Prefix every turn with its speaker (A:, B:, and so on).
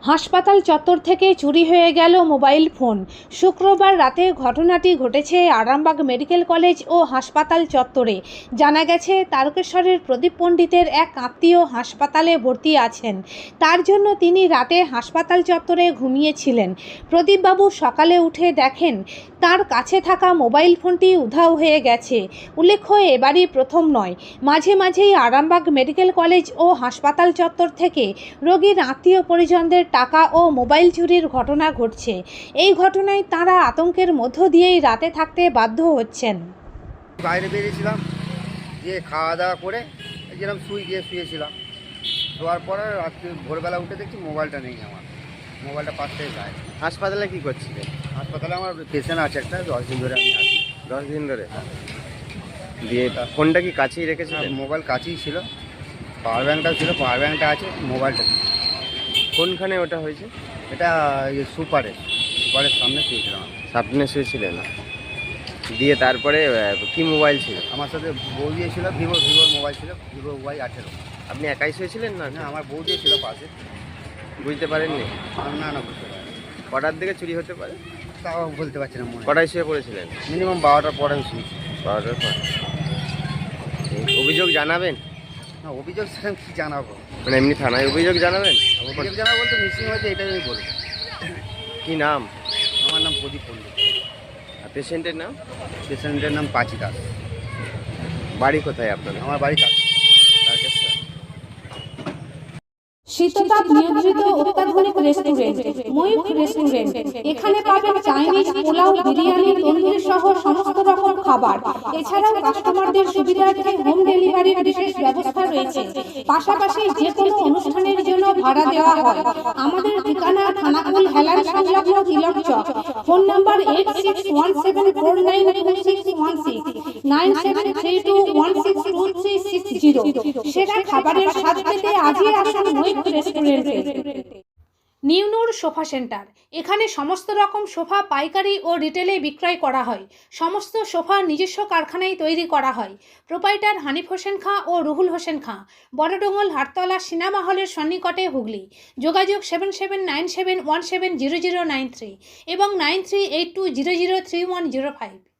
A: হাসপাতাল চত্বর থেকে চুরি হয়ে গেল মোবাইল ফোন। শুক্রবার রাতে ঘটনাটি ঘটেছে আরামবাগ মেডিকেল কলেজ ও হাসপাতাল চত্বরে। জানা গেছে, তারকেশ্বরের প্রদীপ পণ্ডিতের এক আত্মীয় হাসপাতালে ভর্তি আছেন। তার জন্য তিনি রাতে হাসপাতাল চত্বরে ঘুমিয়েছিলেন। প্রদীপবাবু সকালে উঠে দেখেন তার কাছে থাকা মোবাইল ফোনটি উধাও হয়ে গেছে। উল্লেখ্য, এবারই প্রথম নয়, মাঝে মাঝেই আরামবাগ মেডিকেল কলেজ ও হাসপাতাল চত্বর থেকে রোগীর আত্মীয় পরিজনদের টাকা ও মোবাইল চুরির ঘটনা ঘটছে। এই ঘটনায় তাঁরা আতঙ্কের মধ্য দিয়েই রাতে থাকতে বাধ্য হচ্ছেন।
B: বাইরে বেরিয়েছিলাম, গিয়ে খাওয়া দাওয়া করে যেরকম শুয়েছিলাম। শোয়ার পরে রাত্রি ভোরবেলা উঠে দেখছি মোবাইলটা নেই। আমার মোবাইলটা পাশ থেকে গায়ে।
C: হাসপাতালে কি করছিলেন?
B: হাসপাতালে আমার পেশেন্ট আছে একটা, 10 দিন ধরে আমি আছি।
C: 10 দিন ধরে? দিয়ে ফোনটা কি কাছেই রেখেছিলেন?
B: মোবাইল কাছেই ছিল, পাওয়ার ব্যাঙ্কটাও ছিল, পাওয়ার ব্যাঙ্কটা আছে, মোবাইলটা নেই।
C: কোনখানে ওটা হয়েছে?
B: এটা সুপারের সামনে শুয়েছিলাম।
C: সামনে শুয়েছিলেন? দিয়ে তারপরে কি মোবাইল ছিল?
B: আমার সাথে বউ দিয়েছিল, ভিভোর মোবাইল ছিল, ভিভো Y18।
C: আপনি একাই শুয়েছিলেন না?
B: না, আমার বউ দিয়েছিল পাশে।
C: বুঝতে পারেননি?
B: না বুঝতে পারি।
C: কটার দিকে চুরি হতে পারে
B: তাও বলতে পারছি না।
C: কটায় শুয়ে পড়েছিলেন?
B: মিনিমাম 12টার পরে শুয়েছি।
C: 12টার পর। অভিযোগ জানাবেন?
B: না, অভিযোগ সেরকম কী জানাবো,
C: মানে এমনি থানায় অভিযোগ জানাবেন?
B: অভিযোগ জানাবো বলতে মিসিং হয়েছে, এটাই আমি বলবো।
C: কি নাম?
B: আমার নাম প্রদীপ পণ্ডিত।
C: আর পেশেন্টের নাম?
B: পেশেন্টের নাম পাঁচি দাস।
C: বাড়ি কোথায় আপনার?
B: আমার বাড়ি কাছে।
C: তারকেশ্বর।
A: শীততাপ নিয়ন্ত্রিত অত্যাধুনিক রেস্টুরেন্ট ময়ূখ রেস্টুরেন্ট। এখানে পাবেন চাইনিজ, পোলাও, বিরিয়ানি, তন্দুরি সহ সমস্ত রকম খাবার। এছাড়াও কাস্টমারদের সুবিধার্থে হোম ডেলিভারির বিশেষ ব্যবস্থা রয়েছে। পাশাপাশি যে কোনো অনুষ্ঠানের জন্য ভাড়া দেওয়া হয়। আমাদের ঠিকানা থানাকুল হেলান সংলগ্ন তিলক চক। Phone number 8617492616 9732162360। সেরা খাবারের স্বাদ পেতে আজই আসুন ময়ূখ রেস্টুরেন্টে। নিউনুর সোফা সেন্টার। এখানে সমস্ত রকম সোফা পাইকারি ও রিটেলে বিক্রয় করা হয়। সমস্ত সোফা নিজস্ব কারখানায় তৈরি করা হয়। প্রোপাইটার হানিফ হোসেন খাঁ ও রুহুল হোসেন খাঁ, বড়ডোঙ্গল, হাটতলা, সিনেমা হলের সন্নিকটে, হুগলি। যোগাযোগ 7797170093 এবং 9382003105।